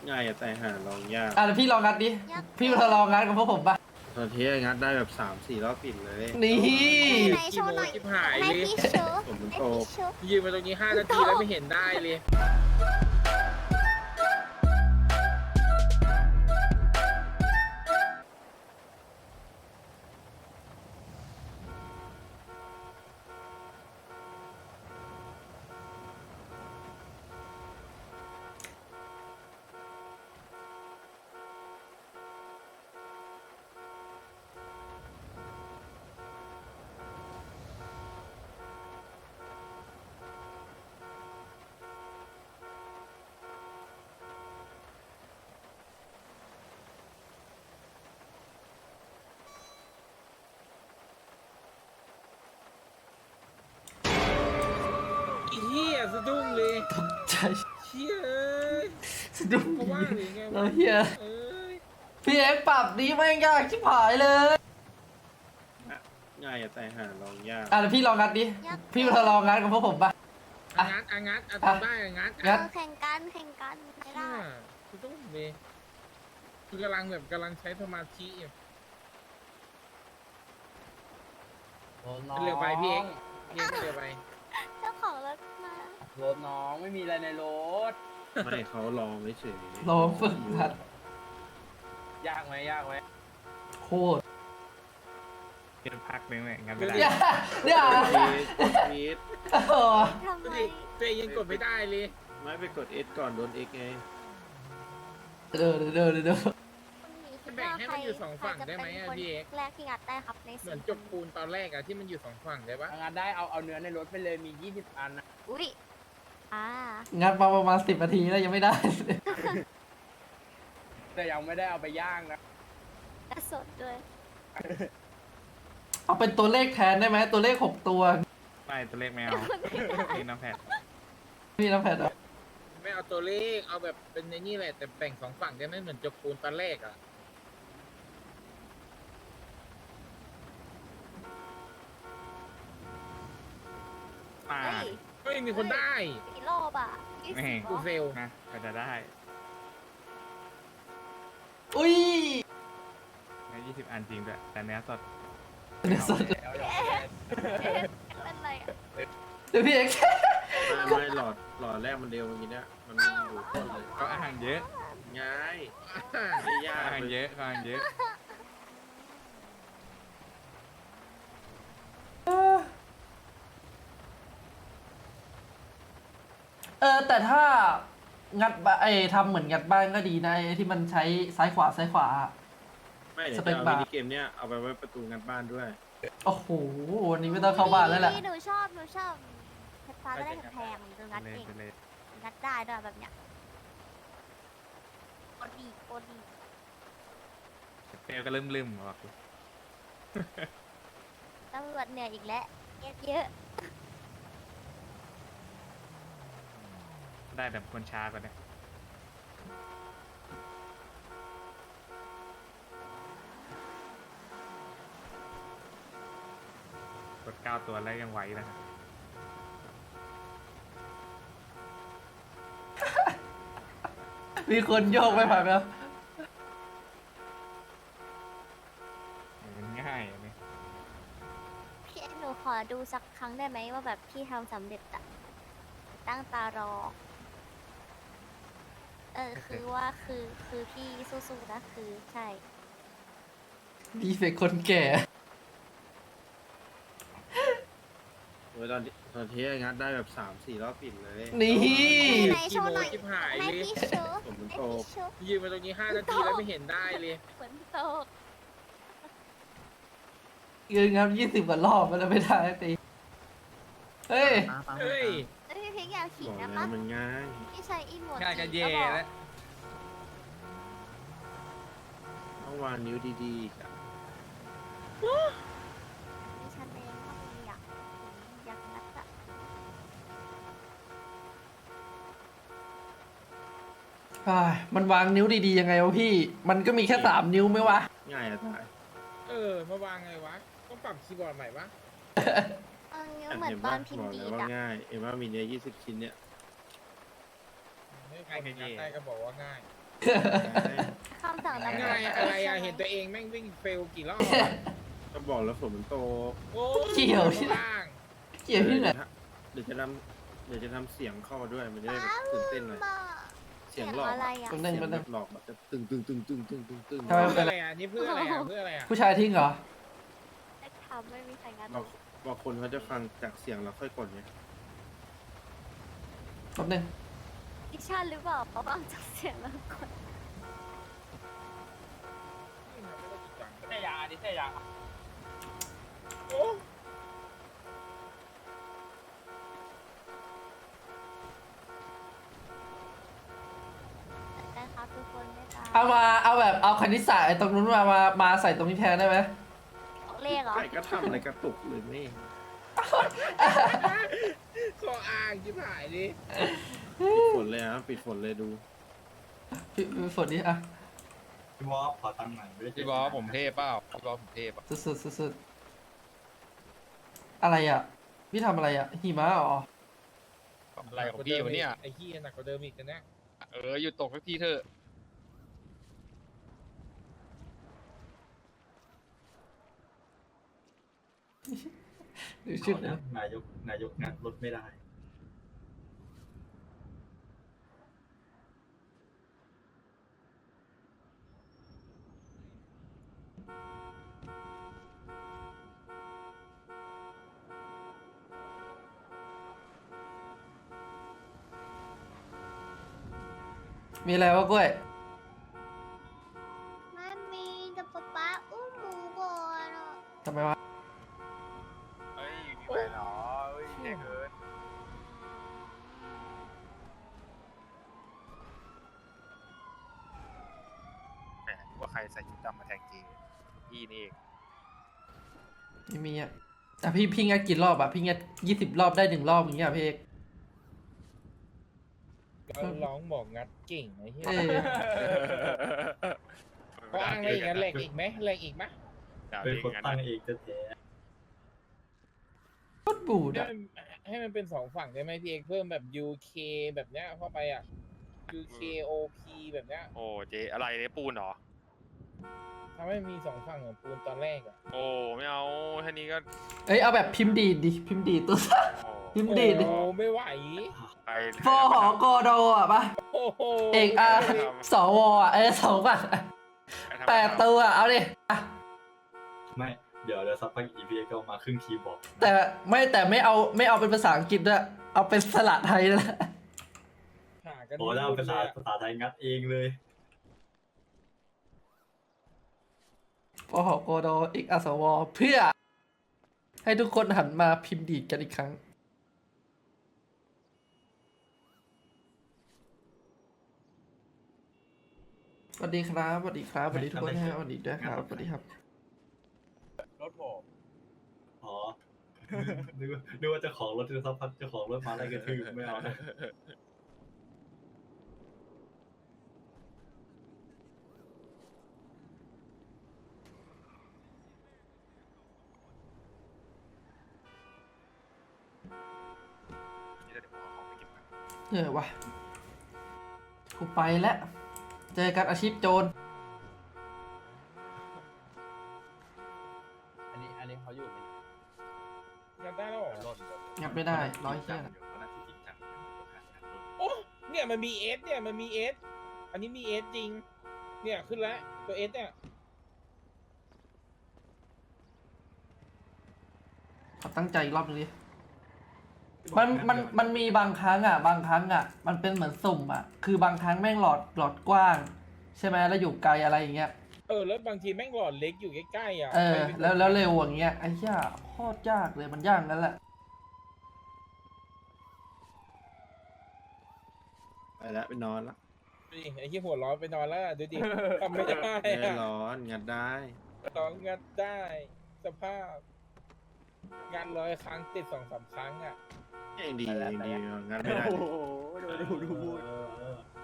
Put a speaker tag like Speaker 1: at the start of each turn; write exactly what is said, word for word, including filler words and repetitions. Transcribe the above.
Speaker 1: ง่ายอะแต่หาลองยาก
Speaker 2: อ่ะเดี๋ยวพี่ลองงัดดิ พี่มาลองงัดกับพวกผมปะ
Speaker 1: ตอนที่งัดได้แบบสามสี่รอบติดเลย
Speaker 2: นี่
Speaker 3: ไหนโชว์หน่อย
Speaker 4: ชิบหาย
Speaker 3: ให้
Speaker 4: เลย
Speaker 3: พี่โชว์
Speaker 1: ผมมัน
Speaker 3: ให้
Speaker 1: โต
Speaker 3: พี่โชว์
Speaker 4: ยืนมาตรงนี้ห้านาทีแล้วไม่เห็นได้เลย อีเหี้ยสะดุ้งเลย
Speaker 2: ตกใจ
Speaker 4: เชี่ยเอ้ย
Speaker 2: สะดุ้ง
Speaker 4: เพราะว่าหรือไง
Speaker 2: เรา
Speaker 4: วะ
Speaker 2: เฮีย
Speaker 4: เอ้ย
Speaker 2: พี่เอ็กซ์ปรับนี้แม่งยากชิบหายเลย
Speaker 1: ง่ายอะแต่หาลองยาก
Speaker 2: อ่ะเดี๋ยวพี่ลองงัดดิ พี่มาลองงัดกับพวกผมปะ
Speaker 4: อ่ะงัดอ่ะงัดอ่ะทำได้อ่ะงัด
Speaker 2: งั
Speaker 4: อ่ะ
Speaker 2: ด
Speaker 3: เออแข่งกันแข่งกันไม่
Speaker 4: เชี่
Speaker 3: ได้
Speaker 4: ยสะดุ้งเลยคือกำลังแบบกำลังใช้สมาธิอยู่เร็วไปพี่เอ็กซ์พี่เอ็กซ์เร็วไป
Speaker 3: เจ้าของรถมาร
Speaker 5: ถน้องไม่มีอะไรในรถ
Speaker 1: ไม่เขาลองไม่เฉย
Speaker 2: ลองฝึกหัด
Speaker 5: ยากไหมยากไหม
Speaker 2: โคตร
Speaker 6: เป็นพักนึงเลยงั้นไม่
Speaker 4: ดู
Speaker 6: ได้
Speaker 4: ดิ
Speaker 2: อย่าอย่า
Speaker 1: พีท
Speaker 2: เออ
Speaker 3: ทำ
Speaker 4: ดู
Speaker 3: ไม
Speaker 4: ดิตัวเองยังกดไม่ได้เลย
Speaker 1: ไม่ไปกด S ก่อนโดน X ไง
Speaker 2: เดี๋ยวเดี๋ยวเดี๋ยวเดี๋ยว
Speaker 3: คุณหมีคิด
Speaker 4: แบ่ง
Speaker 3: ว่า
Speaker 4: ให้
Speaker 3: ใคร
Speaker 4: มันอยู่สองฝั่ง
Speaker 3: ใครจะ
Speaker 4: ได้ไหม
Speaker 3: เป็น
Speaker 4: อ่ะ
Speaker 3: คน
Speaker 4: พี่เอก
Speaker 3: แรกที่งัดได้ครับใน
Speaker 4: เหมือน
Speaker 3: สี่
Speaker 4: จบปูนตอนแรกอะที่มันอยู่สองฝั่งได้ปะ
Speaker 5: เอางานได้เอาเอาเนื้อในรถไปเลยมียี่สิบอันนะ
Speaker 3: อุ้ยอ่า
Speaker 2: งัดมาประมาณสิบนาทีแล้วยังไม่ได้
Speaker 5: แต่ยังไม่ได้เอาไปย่างนะ
Speaker 3: และสดด้วย
Speaker 2: เอาเป็นตัวเลขแทนได้ไหมตัวเลขหกตัว
Speaker 6: ไม่ตัวเลขแมวนี่น้ำแพด
Speaker 2: พี่น้ำแพทย์อะ
Speaker 4: ไม่เอาตัวเลขเอาแบบเป็นในนี่แหละแต่แบ่งสองฝั่งได้ไหมเหมือนจบปูนตอนแรกอะ
Speaker 6: มา
Speaker 3: เฮ้ย
Speaker 4: ก็ยังมีคนได้
Speaker 3: กี่รอบอ่ะยี่สิบ
Speaker 6: แม่ง
Speaker 3: เหร
Speaker 4: กู
Speaker 3: อ
Speaker 4: เฟล
Speaker 6: นะก็จะได้
Speaker 2: อุ้ย
Speaker 6: ในยี่สิบอันจริงด้วยแต่เนื้อสด
Speaker 2: เดี๋ยวสด
Speaker 5: แล้วเดี๋ยวเอาไป
Speaker 3: เอ๊ะเป็นไรอ่ะ
Speaker 2: เดี๋ยวพี่เอ็กซ์
Speaker 1: ไม่ไม่หลอดหลอดแรกมันเร็วอย่างนี้เนี่ยมันอยู่ต้นเลย
Speaker 6: ก็อาหารเยอะ
Speaker 1: ง่ายไม่ยาก
Speaker 6: อาหารเยอะก็อาหารเยอะ
Speaker 2: เออแต่ถ้างัดบ้านไอ้ทำเหมือนงัดบ้านก็ดีนะไอ้ที่มันใช้ซ้ายขวาซ้ายขวา
Speaker 1: ไม่เดี๋ยว
Speaker 2: สเป
Speaker 1: จะ
Speaker 2: ค
Speaker 1: เอา
Speaker 2: บาร์
Speaker 1: มินิเกมเนี้ยเอาไปไว้ประตูงัดบ้านด้วย
Speaker 2: โอ้โหวันนี้ไม่ต้องเข้าบ้านแล้วแหละ
Speaker 3: หนูชอบหนูชอบเพชรฟ้าก็ได้แพงๆหนูงัด
Speaker 6: เลย
Speaker 3: เอง
Speaker 6: ไปเลย
Speaker 3: งัดได้ด้วยแบบเนี้ยโคตรดีโคตรดี
Speaker 6: เปลวก็ลืมลืมๆบอก
Speaker 3: ตำรวจเหนื่อยอีกแล้วเยอะเยอะ
Speaker 6: ได้แบบคนช้ากว่านี้กดเก้าตัวแล้วยังไหวนะ
Speaker 2: มีคนโยกไม่ผ่านไหมครับ
Speaker 6: มันง่ายอันนี้
Speaker 3: พี่เอ็กซ์หนูขอดูสักครั้งได้ไหมว่าแบบพี่ทำสำเร็จอะตั้งตารอ เออคือว่าคือคือพี่สู้ๆนะคือใช่
Speaker 2: ดีเฟกคนแก่
Speaker 1: โอ้ยตอนที่ตอนที่งัดได้แบบสามสี่รอบติดเลย
Speaker 2: นี่
Speaker 3: ไหนโชว์หน่อย
Speaker 4: ชิบหาย
Speaker 3: ให้
Speaker 4: เลย
Speaker 3: พี่โชว์
Speaker 1: ผมมัน
Speaker 3: ให้
Speaker 1: โต
Speaker 3: พี่โชว์
Speaker 4: ยืนมาตรงนี้ห้านาทีแล้วไม่เห็นได้เลย
Speaker 3: ฝนตก
Speaker 2: ยืนครับยี่สิบกว่ารอบแล้วไม่ได้ตีเฮ้ย
Speaker 4: เฮ้ย
Speaker 3: เอ้ยพี่เพ็กอยากขิ
Speaker 1: บ
Speaker 3: ง
Speaker 1: อก
Speaker 3: นะ
Speaker 1: แล้
Speaker 3: ปะ
Speaker 1: วมันง่าย
Speaker 3: พี่ใช้อีโมด
Speaker 6: ง่ายก็เย่
Speaker 3: บอก
Speaker 6: แล้ว
Speaker 1: ต้องวางนิ้วดีๆอีกอะ
Speaker 3: ดิฉันเองก็มีอยากอยากนัดอะ
Speaker 2: อ้ายมันวางนิ้วดีๆยังไงวะพี่ มันก็มีแค่สามนิ้วไหมวะ
Speaker 1: ง่ายอะตาย
Speaker 4: เออมาวางไงวะต้องปรับคีย์บอร์ดใหม่ปะ
Speaker 3: เออนิ้วเหมือนตอนพิมพ์ดี
Speaker 1: บอก
Speaker 3: ด
Speaker 1: แล้วว่า
Speaker 3: อะ
Speaker 1: ง่าย เอ็มว่ามีเนี่ยยี่สิบชิ้นเนี่ย
Speaker 4: ให้คนงัดได้ก็บอกว่าง่าย
Speaker 3: คำสั่งตำรวจ
Speaker 4: อะไรอะไรอะเห็นตัวเองแม่งวิ่งเฟลกี่รอบ
Speaker 1: ก็บอกแล้วฝนมันโต
Speaker 4: โอ้
Speaker 2: เกี่ยวที่
Speaker 4: ล่าง
Speaker 2: เกี่ยวที่ไหน
Speaker 1: เดี๋ยวจะทำเดี๋ยวจะทำเสียงเข้ามาด้วยมันจะได้แบบตื่นเต้นหน่อย
Speaker 3: บ้า
Speaker 1: เสียงหลอก
Speaker 3: อะไรอ่ะ
Speaker 2: ตรง
Speaker 1: เสี
Speaker 2: นั้
Speaker 1: ย
Speaker 2: น
Speaker 1: ง
Speaker 2: มัน
Speaker 1: แบบหลอกแบบจะตึงตึงตึงตึงตึงตึงตึง
Speaker 2: ทำไม
Speaker 4: เพื่ออะไรอ่ะนี่เพื่ออะไรอ่ะเพื่ออะไรอ่ะ
Speaker 2: ผู้ชายทิ้งเหรอ
Speaker 3: ทำไม่มีใครงาน
Speaker 1: บางบางคนเขาจะฟังจากเสียงแล้วค่อยกดไง
Speaker 2: แป๊บนึง
Speaker 3: ดิฉันหรือเปล่าเพราะฟังจากเสียงแล้วกด
Speaker 5: เสียยาดิเสียยา
Speaker 4: โอ้
Speaker 3: นะครับทุกคนนะคะ
Speaker 2: เอามาเอาแบบเอาคณิตศาสตร์ไอ้ตรงนู้นมามามาใส่ตรงนี้แทนได้ไหม
Speaker 3: ของเลขเหรอ
Speaker 1: ใครก็ทำอะไรกระตุกเลยนี่
Speaker 4: ข้ออ้างจิ๋หายดิ
Speaker 1: ปิดฝนเลยฮะปิดฝนเลยดู
Speaker 2: พี่พี่ฝนนี่อะ
Speaker 7: พี่วอฟขอตังค์หน่อยไม่ได้เจ
Speaker 8: พี่บอสผมเทพเปล่าพี่บอสผมเทพอ่ะ
Speaker 2: สุดสุดสุดสุดอะไรอ่ะ พี่ทำอะไรอ่ะหิมะเหรอ
Speaker 8: อะไรของพี่วะเนี่ย
Speaker 4: ไอ้ขี้ยหนักกว่าเดิมอีกนะเนี่ย
Speaker 8: เออหยุดตกสักทีเถอะ
Speaker 2: ดูชุด
Speaker 7: เอานะนายกนายกงัดรถไม่ได้
Speaker 2: มีอะไรวะกล้วย
Speaker 3: ไม่มีแต่ป๊าป๊าอุ้มหมูก่อนอ่ะ
Speaker 2: ทำไมวะ
Speaker 8: เฮ้ยมีไปเหรอเฮ้ยแย่เกินแหมว่าใครใส่ชุดดำมาแทงเจพี่นี่เอง
Speaker 2: ไม่มีอ่ะแต่พี่พี่งัดกี่รอบอ่ะพี่งัดยี่สิบรอบได้หนึ่งรอบอย่างเงี้ยพี่เอก
Speaker 4: ก็ร้องบอกงัดเก่งไอ้เหี้ย
Speaker 2: เออ
Speaker 4: ก็อ้างอะไรอีกนะแหลกอีกไหมแหลกอีกไหม
Speaker 8: ด่า
Speaker 7: เป็น
Speaker 8: เอง
Speaker 7: คน
Speaker 8: งั้น
Speaker 7: ตั้ง
Speaker 8: นะ
Speaker 7: เองจะแท้
Speaker 2: โคตรบูด
Speaker 4: ให้
Speaker 2: อ่ะ
Speaker 4: มันให้มันเป็นสองฝั่งได้ไหมพี่เอกเพิ่มแบบ ยู เค แบบเนี้ยเข้าไปอ่ะ ยู เค โอ พี แบบเนี้ย
Speaker 8: โอ้เจอะไรเนี่ยปูนเหรอ
Speaker 4: ทำให้มีสองฝั่งเหมือนปูนตอนแรกอ่ะ
Speaker 8: โอ้ไม่เอาแค่นี้ก็
Speaker 2: เอ้ยเอาแบบพิมพ์ดีดดิพิมพ์ดีดตัว
Speaker 8: โอ้
Speaker 2: พิมพ์ดีดดิ
Speaker 4: โอ้ไม่ไหว
Speaker 8: ไป
Speaker 2: ฟอหอกอโดอ่ะปะ
Speaker 4: โอ้โห
Speaker 2: เอกอาสวอ่ะเอ้ยสองฝั่งแปดตัวอ่ะเอาดิอ่ะ
Speaker 7: ไม่เดี๋ยวเดี๋ยวสักพักอีพีก็มาครึ่งคีย์บอร์ด
Speaker 2: แต่ไม่แต่ไม่เอาไม่เอาเป็นภาษาอังกฤษด้วยเอาเป็นสระไทยนั่นแหละ
Speaker 4: หากัน
Speaker 7: โอ้แล้วภาษาภาษาไทยงัดเองเลย
Speaker 2: ฟอหอกอโดเอกอาสวเพื่อ ให้ทุกคนหันมาพิมพ์ดีดกันอีกครั้ง สวัสดีครับสวัสดีครับสวัสดีทุกคนนะฮะสวัสดีด้วยครับสวัสดีครับ
Speaker 5: รถผม
Speaker 7: อ๋อ นึกว่านึกว่าเจะของรถจะสักพักเจ้าของรถมาไล่กระทืบไม่เอานะ
Speaker 8: เดี๋ยวผมเอาของไปเก็บก่อน
Speaker 2: เออวะกูไปแล้ว เจอกันอาชีพโจร
Speaker 5: อันนี้อันนี้เขาอยู่ไหม
Speaker 4: งัดได้แล้วเหรอ
Speaker 5: รถ
Speaker 2: งับไม่ได้ร้อยเที่ย
Speaker 7: เดี๋ยวก็น่าจะจริงจังเดี๋ยวก็ขาดงานรถ
Speaker 4: โอ้เนี่ยมันมีเอสเนี่ยมันมีเอสอันนี้มีเอสจริง เนี่ยขึ้นแล้วตัวเอสเนี่ย
Speaker 2: ขอตั้งใจอีกรอบนึงดิมันมันมันมีบางครั้งอ่ะ บางครั้งอ่ะ มันเป็นเหมือนสุ่มอ่ะ คือบางครั้งแม่งหลอดหลอดกว้าง ใช่ไหมแล้วอยู่ไกลอะไรอย่างเงี้ย
Speaker 4: เออแล้วบางทีแม่งหลอดเล็กอยู่ใกล้ๆอ่ะ
Speaker 2: เออ
Speaker 4: ไป
Speaker 2: แล้วแล้วเร็วอย่างเงี้ยไอ้เหี้ยโคตรยากเลยมันยากนั่นแหละ
Speaker 1: ไปแล้วไปนอนละ
Speaker 4: ดิไอ้ที่หัวร้อนไปนอนแล้วอะดูดิทำไม่ได้
Speaker 1: ไม่ได้
Speaker 4: อะ
Speaker 1: ร้อนงัดได้
Speaker 4: ต้องงัดได้สภาพงานร้อยครั้งติดสองสามครั้งอ่ะ
Speaker 1: ยังดียังดีงัดไม่ได้
Speaker 5: โอ้โหดูดูดูพูด
Speaker 7: เออเออ